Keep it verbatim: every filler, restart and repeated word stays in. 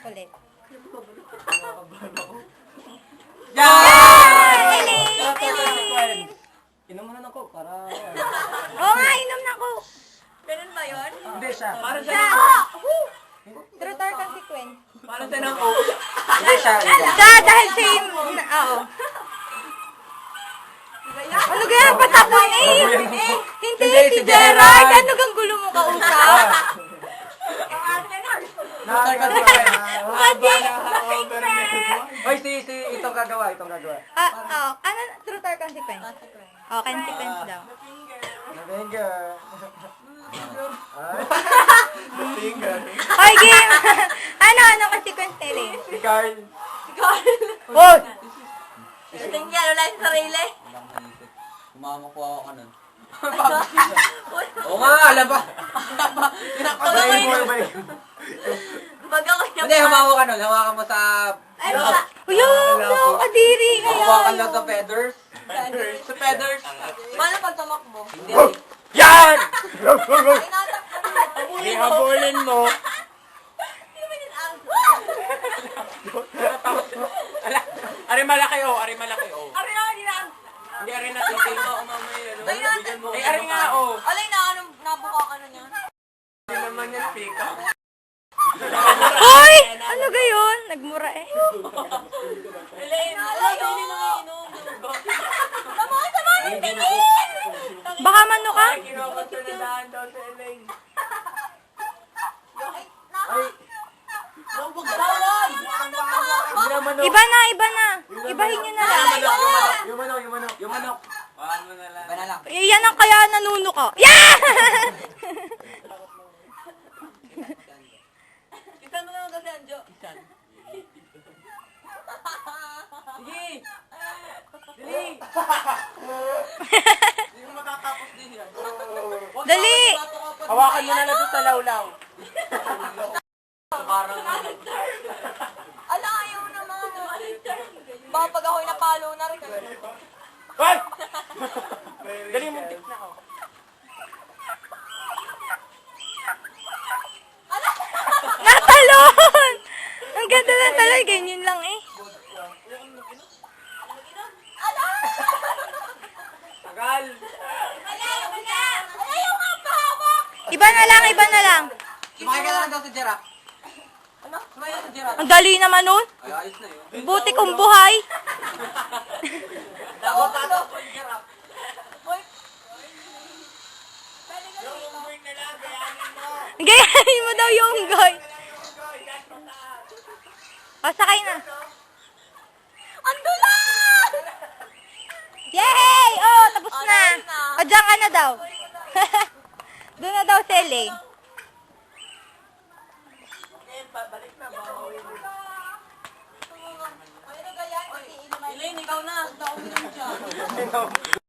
Ulit. Yan! Elaine! Elaine! Inom mo na ng coke para... Oo nga, inom na ko. Ganun ba yun? Hindi siya. Para Siya! Truth or consequence? Para siya ng coke. Hindi siya. Siya, dahil siya yung... na- Oo. Ano kaya? Patapon eh! Hindi, si Gerard! Ano kang gulo mo kausap? Kasi... Hoy, si, si, itong gagawa, itong gagawa. Ah, oo. Ano? Truth or consequence? Oh, consequence daw. Finger. Finger. Hoy, game! Ano? Ano consequence nila eh? Si Carl. Hoy! Tingnan, wala yung sarili. Kumamakuha ako ka nun. Oo nga, alam ba? Balik mo, balik mo. Pag ako yung... Hindi, hawakan ka nun. Hawakan mo sa... Ay, wala. Uyong! No, kadiri! Hawakan lang sa Kaya feathers. Sa feathers. Paano pag tumakbo? Hindi. Yan! Ay, natakbo. Hindi habulin mo. Hindi ba yun ang... Ari malaki o, ari malaki o. Ari na, hindi na. Hindi, ari na titil mo. Umamay, ano? Ay, natin. Ay, ari nga o. Alay na, anong nabuka ka na niya? Hindi naman yan, pika. Hoy! Ano gayon? Nagmura eh. Elaine, alay yun. Tama, tama, yung tingin! Baka mano ka? Kinukonsuladahan daw sa Elaine. Ay, naka. Huwag bawal! Ano ka? Hindi naman o. Iba na, iba na. Ibahin nyo na lang. Yung manok, yung manok. Yung manok. Paano mo na lang. Iba na lang. Eh, yan ang kaya nanuno ka. Yeah! Isan mo naman kasi, Anjo. Sige! Dali! Hindi mo matatapos din yan. Dali! Hawakan mo na lang doon sa lawlaw. Ala, ayaw naman. Baka pag ako'y napalo na rin. Hoy! Dali mo tik na ako. Natalon! Ang ganda ng talon. Ganyan lang eh. Tagal! Ayaw na! Ayaw nga pahawak! Iba na lang, iba na lang. Sumakay ka lang daw sa giraffe. Ano? Sumakay ka sa giraffe. Ang dali naman nun. Ay, ayos na yun. Buti kong buhay. Dapat pa daw. Hoy. Pwede ka dito. Gayahin mo daw yung goy. O, sakay na. Ang dulas! Yay! Oh, tapos Oh, na. nice na. O, dyan ka na daw. Doon na daw si Elaine. Balik na, babawi mo. Elaine, ikaw na. Ikaw na siya.